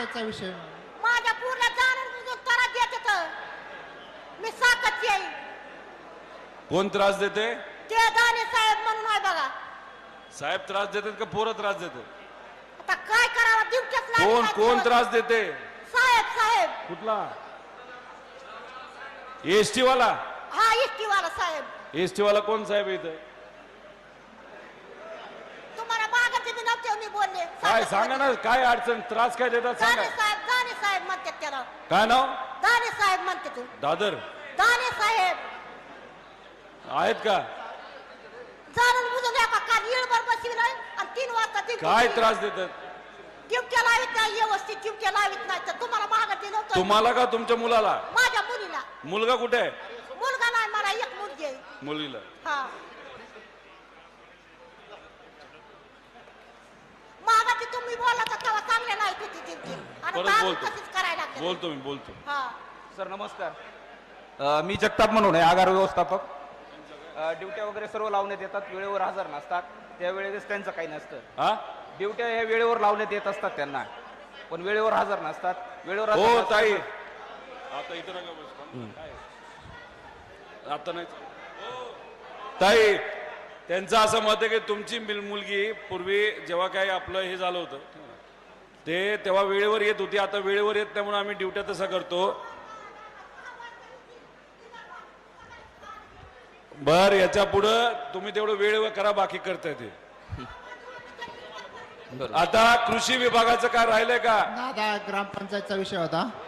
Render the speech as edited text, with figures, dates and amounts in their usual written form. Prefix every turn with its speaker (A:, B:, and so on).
A: ग्रामपंचायतचा विषय.
B: माझ्या पूर्ण जाणून त्रास देत होतं. मी साकत येईल.
C: कोण त्रास देते?
B: ते दाने साहेब म्हणून आहे बघा.
C: साहेब त्रास देतात का पोरं त्रास देतात?
B: आता काय करावं दिवसाच
C: कोण कोण त्रास देते?
B: साहेब साहेब.
C: कुठला? एसटी वाला?
B: हा एसटी वाला साहेब.
C: एसटी वाला कोण साहेब इथं?
B: तुम्हाला मागाचे बी नव्हते मी बोलले.
C: काय सांगा ना, काय अडचण, त्रास काय देतात सांगा.
B: दाने साहेब म्हणतात त्याला.
C: काय नाव?
B: दाने साहेब म्हणते तू.
C: दादर
B: दाने साहेब
C: आहेत का?
B: जाणून बुजून एका काल येळभर बसविलाय आणि 3 वाजता
C: काय त्रास देतात?
B: टिपक्या लावित नाही, व्यवस्थित टिपक्या लावित नाही. तर तुम्हाला मागाचे नव्हतं.
C: तुम्हाला का तुमच्या मुलाला?
B: माझ्या मुलीला.
C: मुलगा कुठे आहे?
B: मुलगा नाही, मला एक मुलगी आहे.
C: मुलीला.
B: हा मागाची तुम्ही बोलला तर तेव्हा चांगले नाही होती टिपकी आणि
C: परत
B: दारू
C: बोलतो.
B: तशीच करायला लागते.
C: बोलतो मी बोलतो.
B: हा
D: सर नमस्कार. मी जगताप म्हणून आहे, आगार व्यवस्थापक. ड्युट्या वगैरे सर्व लावण्यात येतात, वेळेवर हजर नसतात. त्यावेळेस त्यांचं काही नसतं.
C: हा
D: ड्युट्या ह्या वेळेवर लावण्यात येत असतात त्यांना, पण वेळेवर हजर नसतात. वेळेवर हजर
C: हो
D: नसतात.
C: ताई, आता इथं नका बसू. आता नाही ताई, त्यांचं असं मत आहे की तुमची मुलगी पूर्वी जेव्हा काय आपलं हे झालं होतं ते तेव्हा वेळेवर येत होती, आता वेळेवर येत नाही म्हणून आम्ही ड्युट्या तसा करतो. बर, याच्या पुढं तुम्ही तेवढं वेळेवर करा, बाकी करताय ते. आता कृषी विभागाचं काय राहिलंय का?
A: दादा ग्रामपंचायतचा विषय होता.